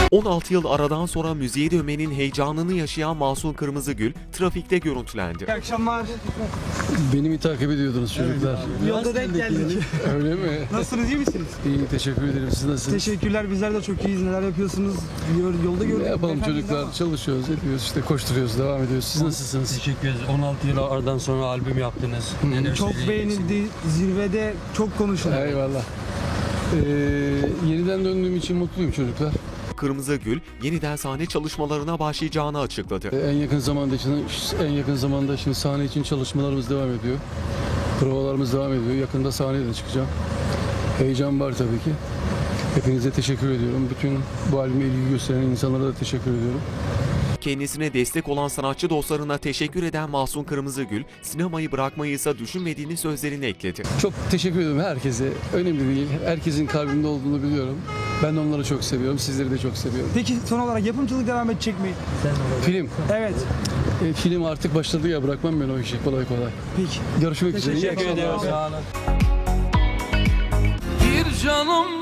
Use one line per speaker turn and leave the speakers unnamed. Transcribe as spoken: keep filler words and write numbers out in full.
on altı yıl aradan sonra müziğe dönmenin heyecanını yaşayan Mahsun Kırmızıgül trafikte görüntülendi.
İyi akşamlar.
Beni mi takip ediyordunuz çocuklar?
Yolda denk geldik.
Öyle mi?
Nasılsınız, iyi misiniz?
İyi, teşekkür ederim. Siz nasılsınız?
Teşekkürler, bizler de çok iyiyiz. Neler yapıyorsunuz? Yol- Yolda gördük.
Ne yapalım
Efendim,
çocuklar?
ama-
Çalışıyoruz, ediyoruz, işte koşturuyoruz, devam ediyoruz. Siz nasılsınız?
Teşekkür ederiz. on altı yıl aradan sonra albüm yaptınız. Neler
Çok
söyleyeceksiniz?
beğenildi. Zirvede çok konuşuldu.
Eyvallah. Ee, yeniden döndüğüm için mutluyum çocuklar.
Kırmızıgül yeniden sahne çalışmalarına başlayacağını açıkladı.
Ee, en yakın zamanda için, en yakın zamanda şimdi sahne için çalışmalarımız devam ediyor. Provalarımız devam ediyor. Yakında sahneye de çıkacağım. Heyecan var tabii ki. Hepinize teşekkür ediyorum. Bütün bu albüme ilgi gösteren insanlara da teşekkür ediyorum.
Kendisine destek olan sanatçı dostlarına teşekkür eden Mahsun Kırmızıgül, sinemayı bırakmayı ise düşünmediğini sözlerine ekledi.
Çok teşekkür ederim herkese. Önemli değil. Herkesin kalbimde olduğunu biliyorum. Ben de onları çok seviyorum. Sizleri de çok seviyorum.
Peki son olarak yapımcılık devam edecek mi?
Film.
Evet.
E, film artık başladı ya. Bırakmam ben o işi kolay kolay.
Peki.
Görüşmek üzere. İyi
Teşekkür
akşamlar.
ederim.
Sağ olun.
Bir canım